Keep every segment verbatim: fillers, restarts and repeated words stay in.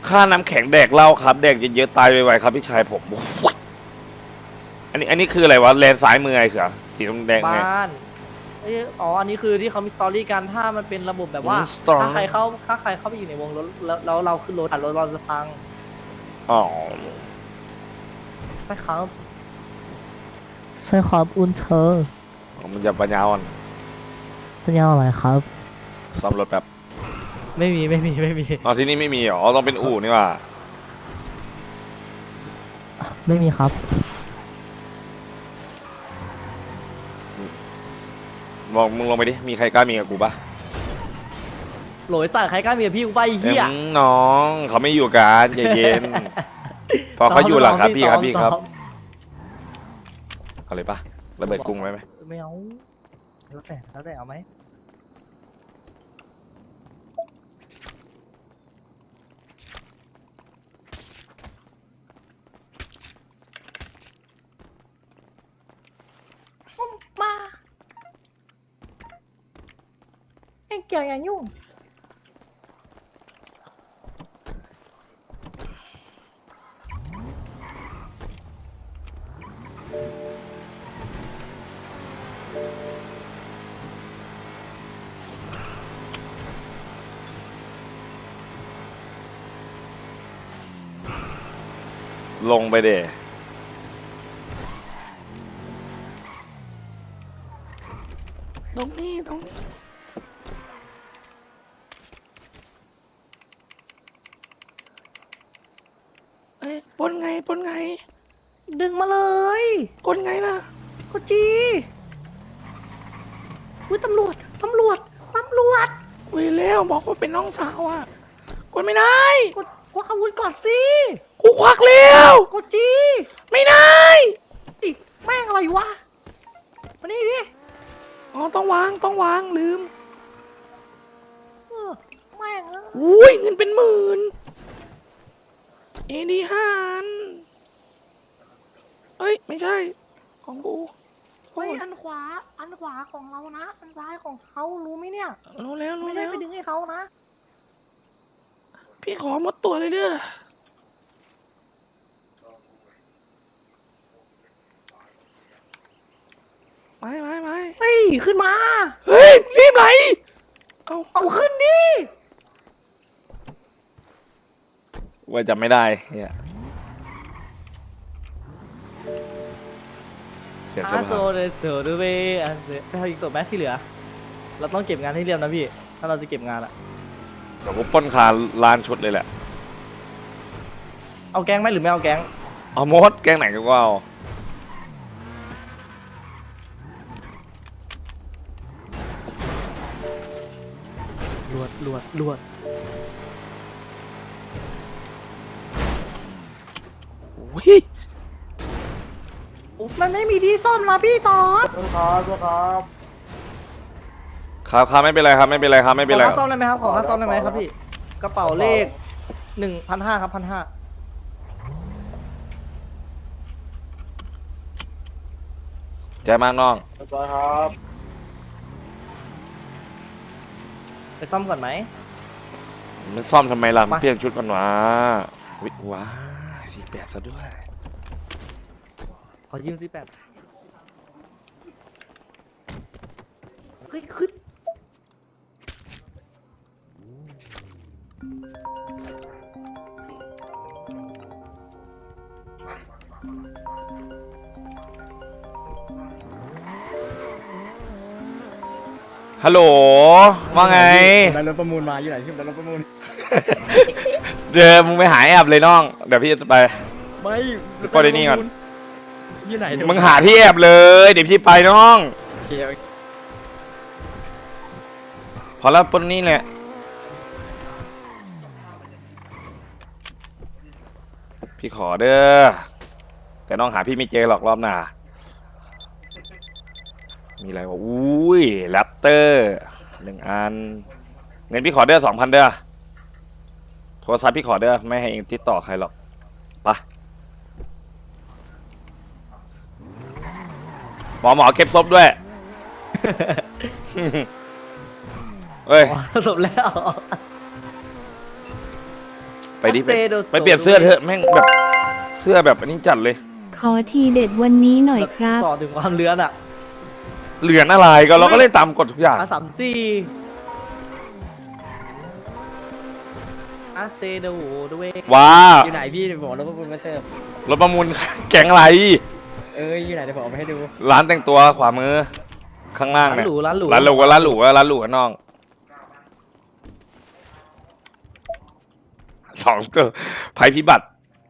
ค่าน้ำแข็งแดกเหล้าครับแดกเยอะๆตายไวๆครับพี่ชายผมอันนี้อันนี้คืออะไรวะแลนซ้ายมือไอ้เขือสีแดงไงบ้านเอ้ยอ๋ออันนี้คือที่เขามีสตอรี่กันถ้ามันเป็นระบบแบบว่าอืม story ถ้าใครเข้าถ้าใครเข้าไปอยู่ในวงรถแล้วแล้วเราขึ้นรถอ่ะรถเราจะพังอ๋อใช่ครับใช่ครับอุนเธอมันจะปัญญาอ่อนเป็นยังไงครับซ่อมรถแบบไม่มีไม่มีไม่มีอ๋อที่นี่ไม่มีเหรอต้องเป็นอู่นี่ว่าไม่มีครับบอกมึงลงไปดิมีใครกล้ามีกับกูปะโหลยสัตว์ใครกล้ามีกับพี่กูไปไอ้เหี้ยเอ็มน้องเขาไม่อยู่กันใจเย็น พอเขาอยู่หลังครับพี่ครับพี่ครับซ้อมเอาเลยปะระเบิดกรุงไว้ไหมไม่เอาแล้วแต่แล้วแต่เอาไหมมาไอ้เกี่ยวอย่ายุ่งลงไปเดตรงนี้ตรงนี้เอ้ยปนไงปนไงดึงมาเลยกดไงล่ะก็จีอุ้ยตำรวจตำรวจตำรวจคุยแล้วบอกว่าเป็นน้องสาวอ่ะกดไม่ได้กดควักอาวุธก่อนสิกูควักแล้วกดจีไม่ได้อิแม่งอะไรวะมานี่ดิอ๋อต้องวางต้องวางลืมเออแม่งเอออุ้ยเงินเป็นหมื่นเอดีห้าอันเอ้ยไม่ใช่ของกูเฮ้ยอันขวาอันขวาของเรานะอันซ้ายของเขารู้ไหมเนี่ยรู้แล้วรู้ไม่ใช่แล้วไปดึงให้เขานะพี่ขอหมดตัวเลยเด้อไม่ไม่ไม่เฮ้ยขึ้นมาเฮ้ยรีบไหลเอาเอาขึ้นดิว่าจะไม่ได้เนี่ยเปลี่ยนเสื้ออาโซผ้าเดโซดูเวอันเซไปเอาอีกศพแมที่เหลือ เราต้องเก็บงานให้เรียบนะพี่ ถ้าเราจะเก็บงานอะเดี๋ยวกูปล้นคาร้านชุดเลยแหละเอาแก๊งไหมหรือไม่เอาแก๊งเอามดแกงไหนก็เอาลวดลวดลวดอุ้ยมันไม่มีที่ซ่อมนะพี่ตอนครับครับไม่เป็นไรครับไม่เป็นไรครับไม่ขเป็นอไรค่าซ่อมได้ไหมครับ ขอค่าซ่อมได้ไหมครับพี่ กระเป๋าเลขหนึ่งพันห้าครับพันห้าใจมากน้องครับไปซ่อมก่อนไหมมันซ่อมทำไมล่ะมันมาเปลี่ยนชุดก่อนวะวิว้าสี่แปดซะด้วยขอยืมสิแปดเฮ้ยขึ้นฮัลโหลว่าไงได้รถประมูลมาอยู่ไหนที่ได้รถประมูลเดี๋ยวมึงไปหาแอบเลยน้องเดี๋ยวพี่จะไปไม่ปล่อยในนี่ก่อนอยู่ไหนมึงหาที่แอบเลยเดี๋ยวพี่ไปน้องโอเคโอเคพอแล้วปนนี่แหละพี่ขอเด้อแต่น้องหาพี่ไม่เจอหรอกรอบหน้ามีอะไรวะอุ้ยแรปเตอร์หนึ่งอันเงินพี่ขอเด้อสองพันเด้อโทรศัพท์พี่ขอเด้อไม่ให้เองติดต่อใครหรอกไปหมอหมอเก็บศพด้วย เฮ้ยอ๋อจบแล้วไปดิไป Acedo ไปเปลี่ยนเสื้อเถอะแม่งแบบเสื้อแบบอันนี้จัดเลยขอทีเด็ดวันนี้หน่อยครับสอนถึงความเลือนอ่ะเหลือนอะไรก็เราก็เล่นตามกฎทุกอย่างอาสามสี่อาเซโดด้วยว้าอยู่ไหนพี่เดี๋ยวผมเอารถประมูลมาเสิร์ฟรถประมูลแก๊งอะไรเอ้ยอยู่ไหนเดี๋ยวผมเอาไปให้ดูร้านแต่งตัวขวามือข้างล่างร้านเนี่ยหรูร้านหรูร้านหรูร้านหรูร้านหรูน้องสองตัวภัยพิบัติ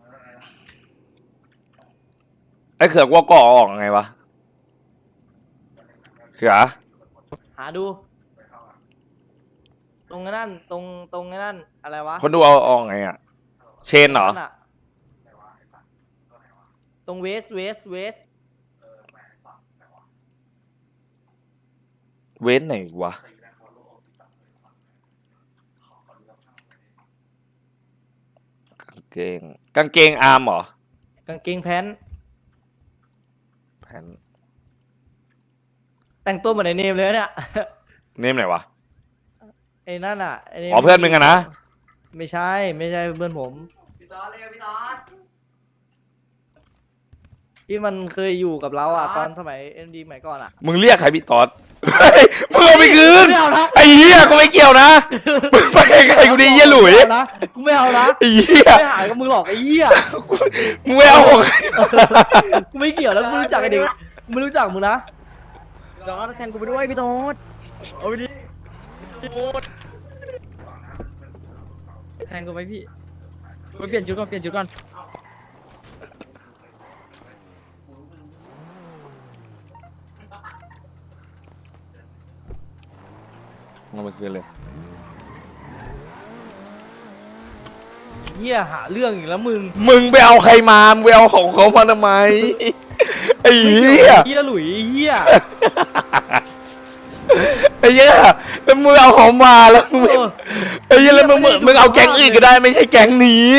ไอ้เขือกว่าก่อออกไงวะเขือหาดู ตรงนั้นตรงตรงนั้นอะไรวะคนดูเอาออกไงอ่ะ เชนเหรอตงะตรงเวสเวสเวสเว้นไหนวะกางเกงกางเกงอาร์มเหรอกางเกงแพนแผ่นแต่งตัวเหมือนไอเนมเลยเนี่ยเนมไหนวะไอ้นั่นอ่ะไอ้อ๋อเพื่อนมึงอะนะไม่ใช่ไม่ใช่เพื่อนผมที่มันเคยอยู่กับเราอ่ะตอนสมัยเอ็มดีสมัยก่อนอ่ะมึงเรียกใครพี่ตอดเฮ้ยมึงเอาไปคืนไม่เอานะไอ้เหี้ยกูไม่เกี่ยวนะมึงไปไกลๆกูดีเหี้ยหลุยไม่เอานะกูไม่เอานะไอ้เหี้ยไม่หายกับมึงหรอกไอ้เหี้ยมึงไม่เอาของใครกูไม่เกี่ยวแล้วกูไม่รู้จักไอ้เด็กกูไม่รู้จักมึงนะเดี๋ยวแทนกูไปด้วยพี่โต๊ดเอาไปดิแทนกูไปพี่ไปเปลี่ยนชุดก่อนเปลี่ยนชุดก่อนเอาไปคืนเลยเหี้ยหาเรื่องอีกแล้วมึงมึงไปเอาใครมามึงไปเอาของเขามาทำไมไอ้เหี้ยเหี้ยหลุยไอ้เหี้ยไอ้เหี้ยแล้วมึงเอาของมาแล้วมึงเออไอ้เหี้ยแล้วมึงมึงมึงเอาแก๊งอื่นก็ได้ไม่ใช่แก๊งนี้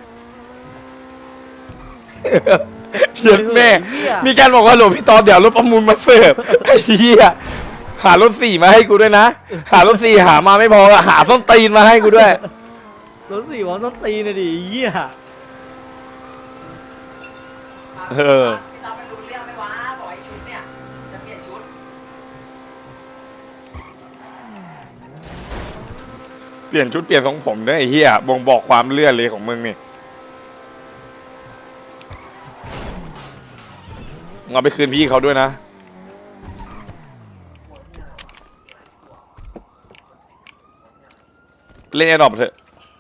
เหี้ยแม่เหี้ยมีการบอกว่าหลวงพี่ตอนเดี๋ยวรถประมูลมาเสิร์ฟไอ้เหี้ยหารถสี่มาให้กูด้วยนะหารถสี่หามาไม่พอหาส้นตีนมาให้กูด้วยรถสี่วอลต้นตีนเลยดิไอ้เหี้ยเออพี่ตอนมันรู้เรื่องไหมวะบอกไอ้ชุดเนี่ยจะเปลี่ยนชุดเปลี่ยนชุดเปลี่ยนทรงผมด้วยไอ้เหี้ยบ่งบอกความเลื่อนเลยของมึงนี่มึงเอาไปคืนพี่เขาด้วยนะเล่นแอร์ดรอปเถอะ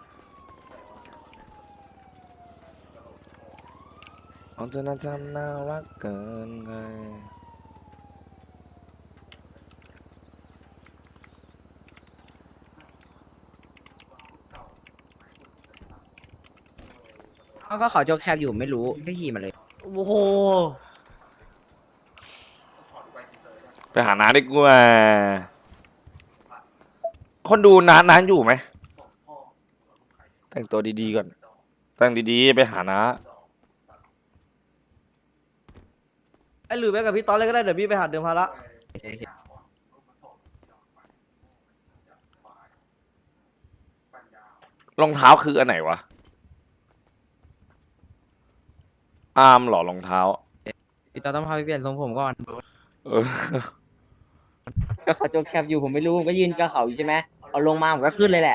เอาเธอน่าจำน่ารักเกินไปเขาก็ขอโจกแคบอยู่ไม่รู้ก็ขี่มาเลยโอ้โหไปหาน้าดีกว่าคนดูน้าน้าอยู่ไหมแต่งตัวดีๆก่อนแต่งดีๆไปหาน้าไอ้หลุยไปกับพี่ตอนเลยก็ได้เดี๋ยวพี่ไปหาเดิมพาระรองเท้าคืออันไหนวะอาร์มเหรอรองเท้าพี่โต๊ดต้องพาไปเปลี่ยนทรงผมก่อนเออก็เขาโจกแคบอยู่ผมไม่รู้ผมก็ยืนกับเขาอยู่ใช่ไหมเอาลงมาผมก็ขึ้นเลยแหละ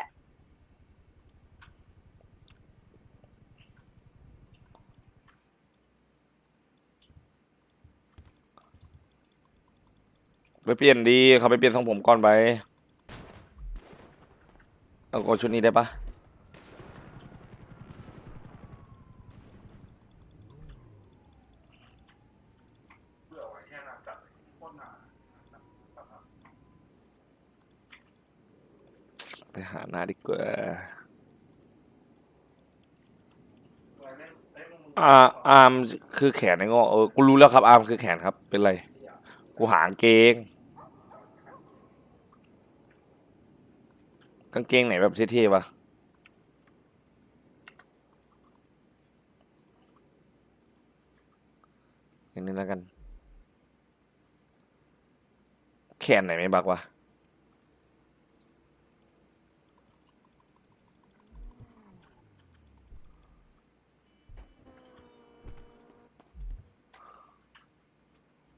ไปเปลี่ยนดีเขาไปเปลี่ยนทรงผมก่อนไปเอาโกชุดนี้ได้ปะไปหาหน้าดีกว่าอ่าอาร์มคือแขนไอ้โง่เออกูรู้แล้วครับอาร์มคือแขนครับเป็นไรกูหากางเกงกางเกงไหนแบบเท่ๆวะอย่างนี้แล้วกันแขนไหนไม่บักวะ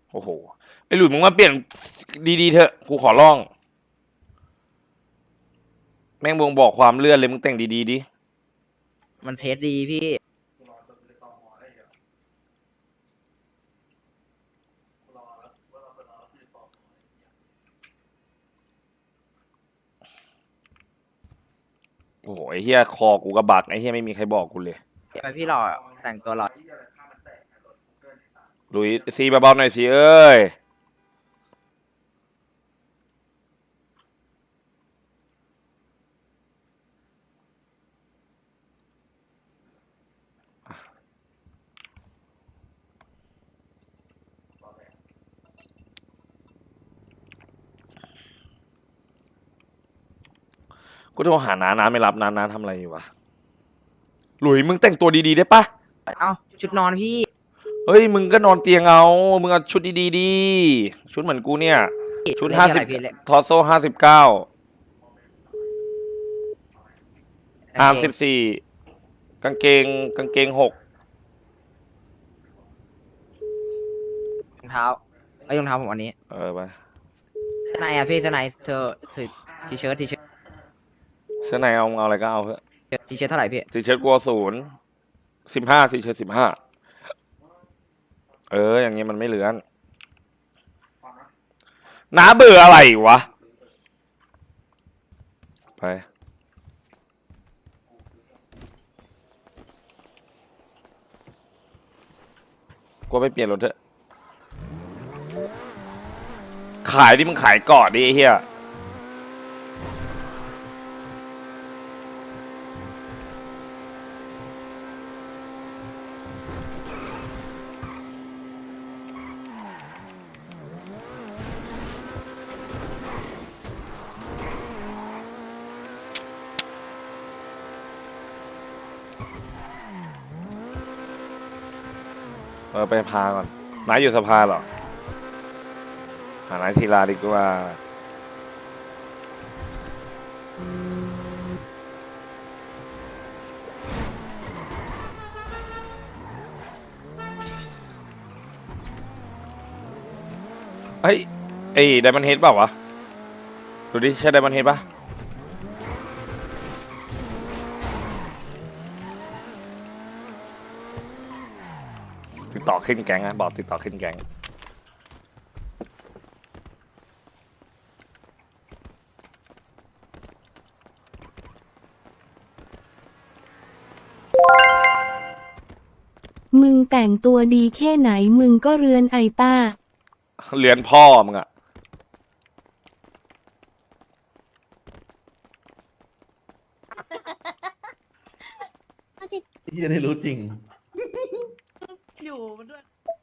โอ้โหไอหลุยมึงมาเปลี่ยนดีๆเถอะกูขอร้องแม่งบ่งบอกความเลื่อนเลยมึงแต่งดีๆดิมันเพจดีพี่โอ้โหไอ้เฮียคอกูกระบักไอ้เฮียไม่มีใครบอกกูเลยทำไมพี่หล่อแต่งตัวหล่อหลุยซีเบาๆหน่อยสิเอ้ยกูโทรหาน้าน้าไม่รับน้าน้าทำอะไรอยู่วะหลุยมึงแต่งตัวดีๆได้ปะเอ้าชุดนอนพี่เฮ้ยมึงก็นอนเตียงเอามึงเอาชุดดีๆดีชุดเหมือนกูเนี่ยชุดเลขห้าอะสิไรบพี่เลขทอโซ่ห้าสิบเก้าอาร์มกางเกสิงบสี่กางเกงกางเกงหกรองเท้าไอ้ยรองเท้าผมอันนี้เออไปเสื้อในอะพี่เสื้อในเธอเธอทีเชิ้ตทีเชิ้ตเสื้อในเอาเอาอะไรก็เอาเถอะทีเชิ้ตเท่าไหร่พี่สีเชิ้ตกลัวศูนย์สิบห้าสีเชิ้ตสิบห้าเอออย่างงี้มันไม่เหลือนน้าเบื่ออะไรวะไปกูไปเปลี่ยนรถเถอะขายดิมึงขายก่อนดิไอ้เหี้ยเออไปพาก่อนน้าอยู่สภาเหรอหานายทีลาดีกว่าเฮ้ยไอ้ไดมอนด์เฮดเปล่าวะดูดิใช่ไดมอนด์เฮดปะติดต่อขึ้นแก๊งอะบอกติดต่อขึ้นแก๊งมึงแต่งตัวดีแค่ไหนมึงก็เรือนไอต้าเรียนพ่อมึงอะที่จะได้รู้จริงอยู่มันด้วย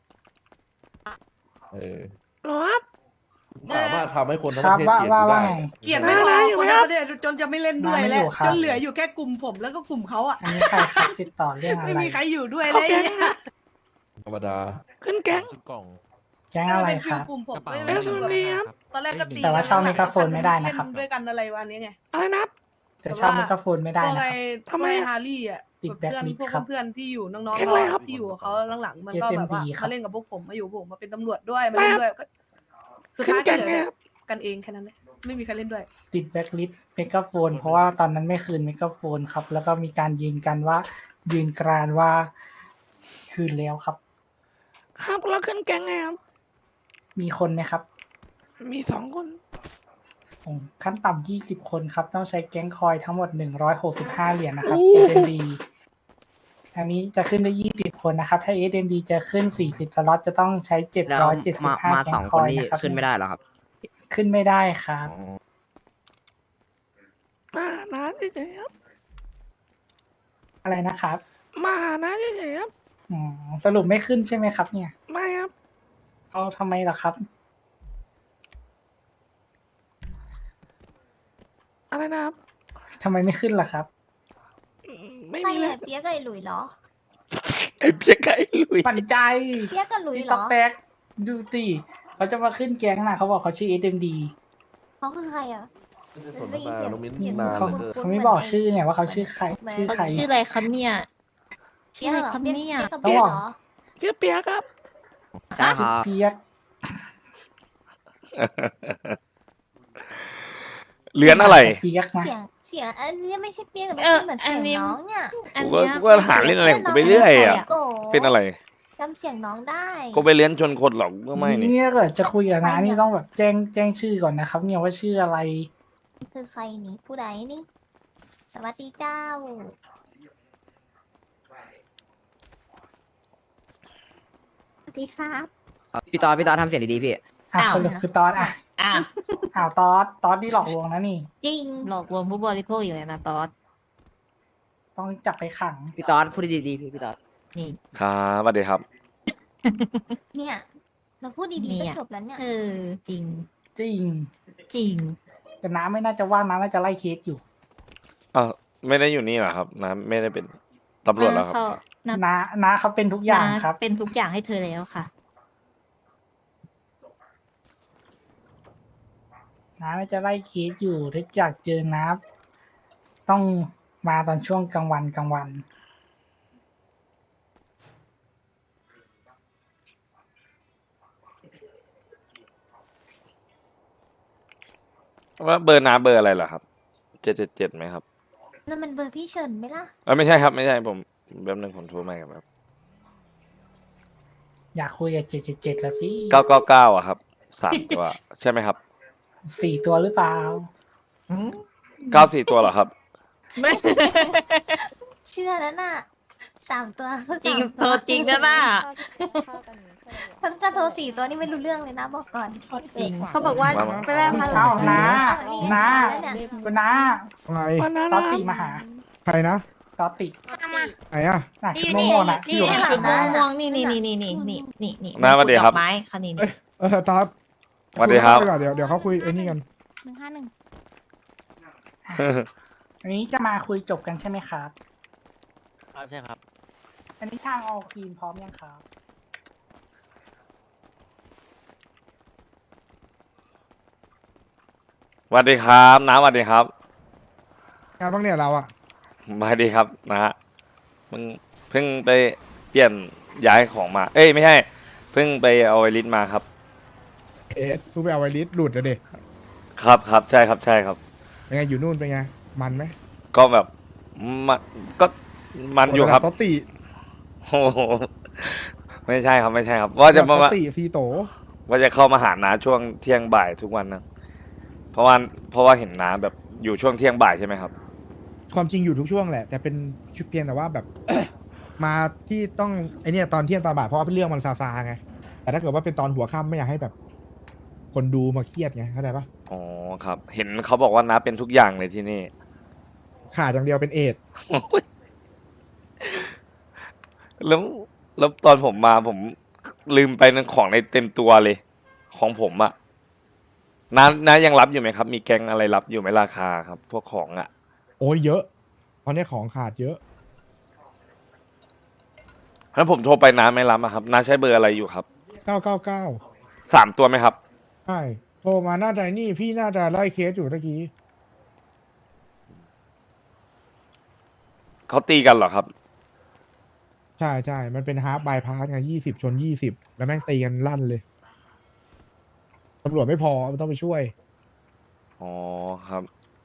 เออหรอครับสามารถทำให้คนทั้งประเทศเกลียดกูได้เกลียดไม่พอคนในประเทศจนจะไม่เล่นด้วยแล้วจนเหลืออยู่แค่กลุ่มผมแล้วก็กลุ่มเขาอ่ะอันนี้ใครครับติดต่อเรื่องอะไรไม่มีใครอยู่ด้วยเลยธรรมดาขึ้นแก๊งแก๊งอะไรเป็นคฟิลรับกลุ่มผมเอไม่สได้อยู่ดีครับตอนแรกก็ตีแต่ว่าเช่าไมโครโฟนไม่ได้นะครับเล่ด้วยกันอะไรวันนี้ไงอะไรนะแต่เช่าไมโครโฟนไม่ได้พวกนะไอ้ครับทำไมฮาร์รี่อ่ะติดแบ็คเพื่อนลิสต์พวกครับเพื่อนๆที่อยู่น้องๆเราที่อยู่กับเขาหลังๆมันก็แบบว่าเอส เอ็ม ดี ครับมาเล่นกับพวกผมมาอยู่ผมมาเป็นตำรวจด้วยมาเล่นด้วยก็สุดท้ายก็เหลือกันเองแค่นั้นแหละไม่มีใครเล่นด้วยติดแบ็คลิสต์ไมโครโฟน เพราะว่าตอนนั้นไม่คืนไมโครโฟนครับ แล้วก็มีการยืนกันว่า ยืนกรานว่าคืนแล้วครับครับแล้วขึ้นแก๊งไงครับมีคนไหมครับมีสองคนอืมขั้นต่ำยี่สิบคนครับ ต้องใช้แก๊งคอยทั้งหมดหนึ่งร้อยหกสิบห้าเหรียญนะครับ เอส เอ็ม ดี อันนี้จะขึ้นได้ยี่สิบคนนะครับ ถ้า เอส เอ็ม ดี จะขึ้นสี่สิบสล็อตจะต้องใช้เจ็ดแล้วร้อยเจ็ดสิมาบห้ามาแก๊สองงคคน อยนี่นะครับขึ้นไม่ได้เหรอครับขึ้นไม่ได้ครับมาหาน้าเฉยๆครับอะไรนะครับมาหาน้าเฉยๆครับอืมสรุปไม่ขึ้นใช่ไหมครับ เนี่ยไม่ครับเอาทำไมล่ะครับอะไรนะครับทำไมไม่ขึ้นล่ะครับอืมไม่ไม่มีเลเลย ยเปียกกับไอ้หลุยเหรอไอ้เพี้ยไก่ลุยปั่นใจเปียกกับหลุยที่เหรต๊อกอแตกดูสิเขาจะมาขึ้นแก๊งนะเขาบอกเขาชื่อ เอส เอ็ม ดีเขาคือใครอ่ะไม่ใช่สนทนาน้องมิ้นเสียงนานเขาเหลือเกินเขาไม่บอกชื่อไงว่าเขาชื่อใคร ชื่อใครชื่ออะไรครับเนี่ยเปียกเหรอครับเปียกเนี่ยเปียกกับเปียกเหรอชื่อเปียกครับใช่ครับเปียกเหรียญอะไรเปียกนะเสียงเสียงอันนี้ไม่ใช่เปียกแต่เออมันเหมือนอัเสีนยงนี้น้องเนี่ยอันกูก็เนี้ยกูก็หาเล่นอะไรของกูไปเรื่อยอ่ะโกเป็นอะไรจำเสียงน้องได้กูไปเลี้ยนชนคนหรอกก็ไม่นี่เนี่ยเกิดจะคุยกับน้านี่ต้องแบบแจ้งแจ้งชื่อก่อนนะครับ เนี่ยว่าชื่ออะไรคือใครนี่ผู้ใดนี่ สวัสดีเจ้า สวัสดีครับพี่ตอดพี่ตอดทำเสียงดีๆพี่อ่ะอ้าวสรุปคือตอนอ่ะอ่ะอ้าวตอสตอสที่หลอกลวงนะนี่จริงหลอกลวงผู้บริโภคอยู่เลยนะตอสต้องจับไปขังพี่ตอดพูดดีๆพี่พี่ตอดนี่ครับสวัสดีครับเนี่ย เราพูดดีๆก็จบแล้วเนี่ยเออจริงจริงจริงแต่น้าไม่น่าจะว่างน้าน่าจะไล่เคสอยู่อ้าวไม่ได้อยู่นี่เหรอครับนะไม่ได้เป็นตำรวจแล้วครับเขานับน้าน้าเขาเป็นทุกอย่างครับเป็นทุกอย่างให้เธอแล้วค่ะน้าน่าจะไล่เคสอยู่ถ้าอยากเจอน้าต้องมาตอนช่วงกลางวันกลางวันว่าเบอร์น้าเบอร์อะไรเหรอครับเจ็ดเจ็ดเจ็ดไหมครับนั่นมันเบอร์พี่เฉินไหมล่ะเออไม่ใช่ครับไม่ใช่ผมแป๊บนึงผมโทรมาครับอยากคุยกับเจ็ดเจ็ดเจ็ดละสิเก้าเก้าเก้าอะครับสามตัว ใช่ไหมครับสี่ตัวหรือเปล่าเก้าสี่ตัวเหรอครับไม่เชื่อแล้วน่ะสามตัวจริงสามโทรจริงนะน่ะถ้าจะโทรสี่ตัวนี่ไม่รู้เรื่องเลยนะบอกก่อนจริงเขาบอกว่ามามาไปแวะพันเอ้าน้านี่น้าแล้วเนี่ยคุณน้าไงตอสติมาหาใครนะตอสติไหนอ่ะน่ะชุดโม่ๆน่ะที่อยู่นี่ข้างชุดน้าม่วงๆนี่นี่นี่นี่นี่นี่นี่นี่น้าสวัสดีครับดอกไม้ค่ะนี่เอ้นี่ย เออตอสสวัสดีครับยก่อนเดี๋ยวเดี๋ยวเขาคุยไอ้นี่กันหนึ่งห้าหนึ่งอันนี้จะมาคุยจบกันใช่ไหมครับครับใช่ครับอันนี้ทางออควีนพร้อมยังครับสวัสดีครับน้าสวัสดีครับงานบ้างเนี่ยเราอ่ะสวัสดีครับนะฮะมึงเพิ่งไปเปลี่ยนย้ายของมา เอ้ยไม่ใช่เพิ่งไปเอาไอริสมาครับเอ๊ะทูไปเอาไวริสหลุดอะเด็กครับครับใช่ครับใช่ครับเป็นไงอยู่นู่นเป็นไง มันไหมก็แบบมันก็มันอยู่ครับตอตติโอ้โหไม่ใช่ครับไม่ใช่ครับ ว่าจะตมาอตติซีโตว่าจะเข้ามาหาน้าช่วงเที่ยงบ่ายทุกวันนะเพราะว่าเพราะว่าเห็นน้าแบบอยู่ช่วงเที่ยงบ่ายใช่ไหมครับความจริงอยู่ทุกช่วงแหละ แต่เป็นชุดเพียงแต่ว่าแบบ มาที่ต้องไอเนี่ยตอนเที่ยงตอนบ่ายเพราะว่าเรื่องมันซาซาไง แต่ถ้าเกิดว่าเป็นตอนหัวค่ำไม่อยากให้แบบ คนดูมาเครียดไงเข้าใจปะอ๋อครับ เห็นเขาบอกว่าน้าเป็นทุกอย่างเลยที่นี่ขาดอย่างเดียวเป็นเอดส์แล้วแล้วตอนผมมาผมลืมไปนั่นของในเต็มตัวเลย ของผมอะน้าน้ายังรับอยู่ไหมครับ มีแกงอะไรรับอยู่ไหมราคาครับ พวกของอะโอ้ยเยอะตอนนี้ของขาดเยอะถ้าผมโทรไปน้าไม่รับอะครับน้าใช้เบอร์อะไรอยู่ครับเก้าเก้าเก้าสามตัวไหมครับใช่โทรมาน่าจะนี่พี่น่าจะไล่เคสอยู่ตะกี้เขาตีกันเหรอครับใช่ใช่ มันเป็นฮาร์ปบายพาสไงยี่สิบชนยี่สิบแล้วแม่งตีกันลั่นเลย ตำรวจไม่พอมันต้องไปช่วยอ๋อครับ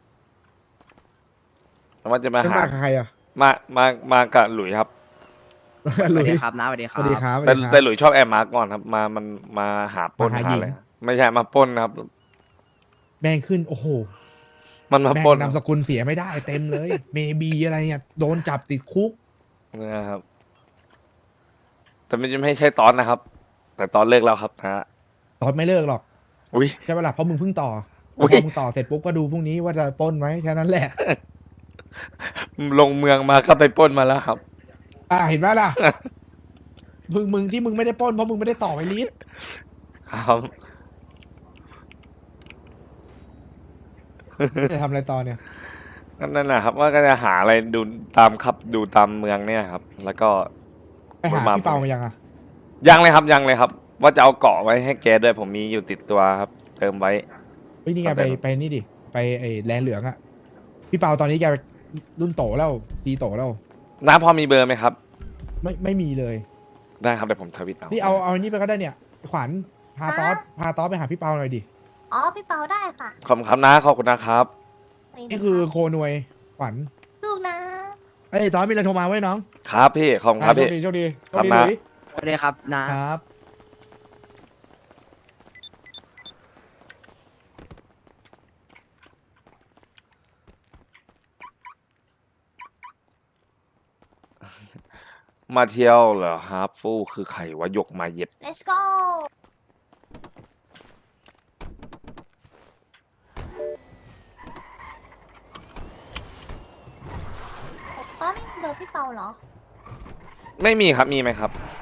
แล้วว่าจะมาเป็นหามากับใครอ่ะมามามากับหลุยครับสหลุวัสยดีครับน้าสวัสดีคสรับวัสดีครับแต่สวัสดีครับแต่หลุยชอบแอบมาร์กก่อนครับ มามันมาหาปล้นมาหาหาหญิงอะไรไม่ใช่มาปล้นครับแบงขึ้น โอ้โหมันมาแบงปล้นนามสกุลเสียไม่ได้เต็มเลย เมบีอะไรเนี่ยโดนจับติดคุกนะครับ แต่ไม่ไม่ใช่ตอนนะครับ แต่ตอนเลิกแล้วครับนะฮะตอนไม่เลิกหรอกอุ้ยใช่ปะล่ะเพราะมึงเพิ่งต่ออุ๊พอย มึงต่อเสร็จปุ๊บก็ดูพรุ่งนี้ว่าจะปล้นไหมแค่นั้นแหละลงเมืองมาก็ไปปล้นมาแล้วครับอ่าเห็นไหมล่ะ มึงมึงที่มึงไม่ได้ปล้นเพราะมึงไม่ได้ต่อไปลิสต์ครับจะทำอะไรต่อเนี่ยก็นั่นนะครับ ว่าก็จะหาอะไรดูตามขับดูตามเมืองเนี่ยครับ แล้วก็ไปหาพี่เปามายังอ่ะยังเลยครับยังเลยครับ ว่าจะเอาเกาะไว้ให้แกด้วยผมมีอยู่ติดตัวครับ เติมไว้เฮ้ยนี่ไงเอาไปไปไปนี่ดิไปไอ้แลนเหลืองอะพี่เปาตอนนี้แกรุ่นโตแล้วซีโตแล้วน้าพอมีเบอร์ไหมครับไม่ไม่มีเลยได้ครับเดี๋ยวผมทวิตเอานี่เอาเอาอันนี้ไปก็ได้เนี่ย ขวัญพาตอสพาตอสไปหาพี่เปาหน่อยดิอ๋อพี่เปาได้ค่ะขอบคุณครับนะขอบคุณนะครับนี่คือโคนวยขวัญลูกนะเอ้ยตอนมีอะไรโทรมาไว้น้องครับพี่ขอบคุณครับโชพี่คดีโชคดีโชครัคบดีนะหลุยสวัสดีครับนะครับมาเที่ยวเหรอฮาร์ฟฟูคือใครวะยกมาเย็ด let's go ตอนนี้เบอร์พี่เปาเหรอไม่มีครับมีไหมครับเ